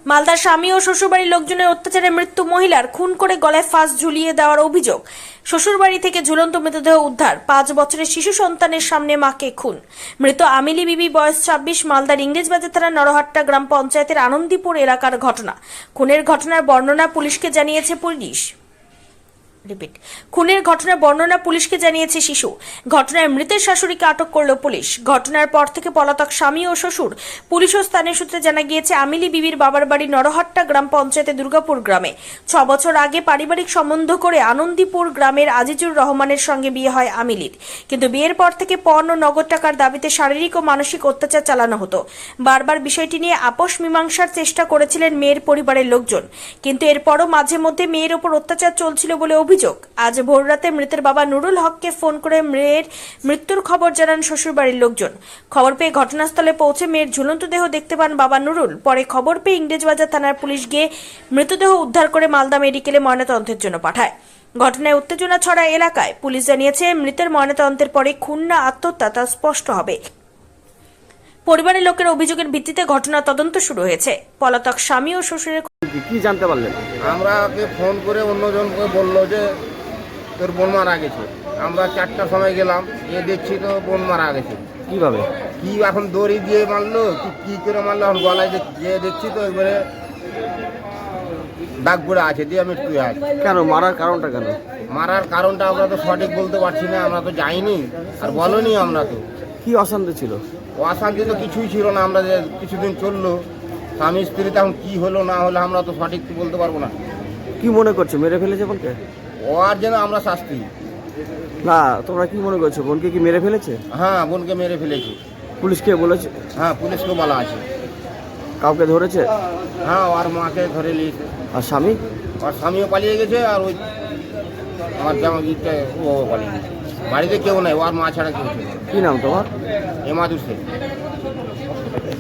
মালদার স্বামী ও শ্বশুরবাড়ির লোকজনের অত্যাচারে মৃত্যু মহিলার, খুন করে গলায় ফাঁস ঝুলিয়ে দেওয়ার অভিযোগ। শ্বশুরবাড়ি থেকে ঝুলন্ত মৃতদেহ উদ্ধার, 5 বছরের শিশু সন্তানের সামনে মাকে খুন। মৃত আমিলি বিবি, বয়স 26, মালদার ইংরেজবাজার থানার নরহাট্টা গ্রাম পঞ্চায়েতের আনন্দীপুর এলাকার ঘটনা। খুনের ঘটনার বর্ণনা পুলিশকে জানিয়েছে পুলিশকে জানিয়েছে শিশু। ঘটনায় মৃতের শাশুড়িকে আটক করল পুলিশ। ঘটনার পর থেকে পলাতক স্বামী ও শ্বশুর। পুলিশ ও স্থানীয় সূত্রে জানা গিয়েছে, আমিলি বিবির বাবার বাড়ি নরহাট্টা গ্রাম পঞ্চায়েতে দুর্গাপুর গ্রামে। 6 বছর আগে পারিবারিক সম্বন্ধ করে আনন্দীপুর গ্রামের আজিজুর রহমানের সঙ্গে বিয়ে হয় আমিলির। কিন্তু বিয়ের পর থেকে পণ ও নগদ টাকার দাবিতে শারীরিক ও মানসিক অত্যাচার চালানো হতো। বারবার বিষয়টি নিয়ে আপোষ মীমাংসার চেষ্টা করেছিলেন মেয়ের পরিবারের লোকজন, কিন্তু এরপরও মাঝে মধ্যে মেয়ের ওপর অত্যাচার চলছিল বলে অভিযোগ। আজ ভোররাতে মৃতের বাবা নুরুল হককে ফোন করে মেয়ের মৃত্যুর খবর জানান শ্বশুরবাড়ির লোকজন। খবর পেয়ে ঘটনাস্থলে পৌঁছে মেয়ের ঝুলন্ত দেহ দেখতে পান বাবা নুরুল। পরে খবর পেয়ে ইংরেজবাজার থানার পুলিশ গিয়ে মৃতদেহ উদ্ধার করে মালদা মেডিকেলে ময়নাতদন্তের জন্য পাঠায়। ঘটনায় উত্তেজনা ছড়ায় এলাকায়। পুলিশ জানিয়েছে, মৃতের ময়নাতদন্তের পরে খুন না আত্মহত্যা তা স্পষ্ট হবে। পরিবারের লোকের অভিযোগের ভিত্তিতে ঘটনা তদন্ত শুরু হয়েছে। পলাতক স্বামী ও শ্বশুরের কি জানতে পারলেন? আমরা ওকে ফোন করে অন্যজনকে বললো যে তোর বোন মারা গেছে। আমরা 4টার সময় গেলাম, দেখছি তো বোন মারা গেছে। কিভাবে? কি এখন দড়ি দিয়ে মারলো, কি করে মারলো এখন গলায় দেখছি তো একবারে দাগ পড়ে আছে, দিয়ে মৃত্যু আছে। কেন মারার কারণটা কেন? মারার কারণটা আমরা তো সঠিক বলতে পারছি না, আমরা তো যাইনি আর বলনি। আমরা তো কি অশান্তি ছিল? অশান্তি তো কিছুই ছিল না। আমরা যে কিছুদিন চললো স্বামী স্ত্রী, তখন কি হলো না হলো আমরা তো সঠিক বলতে পারবো না। কি মনে করছো, মেরে ফেলেছে বোনকে? ওর যেন আমরা শাস্তি। না, তোমরা কি মনে করছো, বোনকে কি মেরে ফেলেছে? হ্যাঁ, বোনকে মেরে ফেলেছি। পুলিশকে বলেছে? হ্যাঁ, পুলিশকে বলা আছে। কাউকে ধরেছে? হ্যাঁ, ওর মাকে ধরে নিয়েছে। আর স্বামী? ওর স্বামীও পালিয়ে গেছে, আর ওই আমার জামাইটা ও পালিয়ে গেছে। বাড়িতে কেউ নাই, ওর মা ছাড়া কেউ ছিল। কি নাম তোমার? এমাদুর শেখ।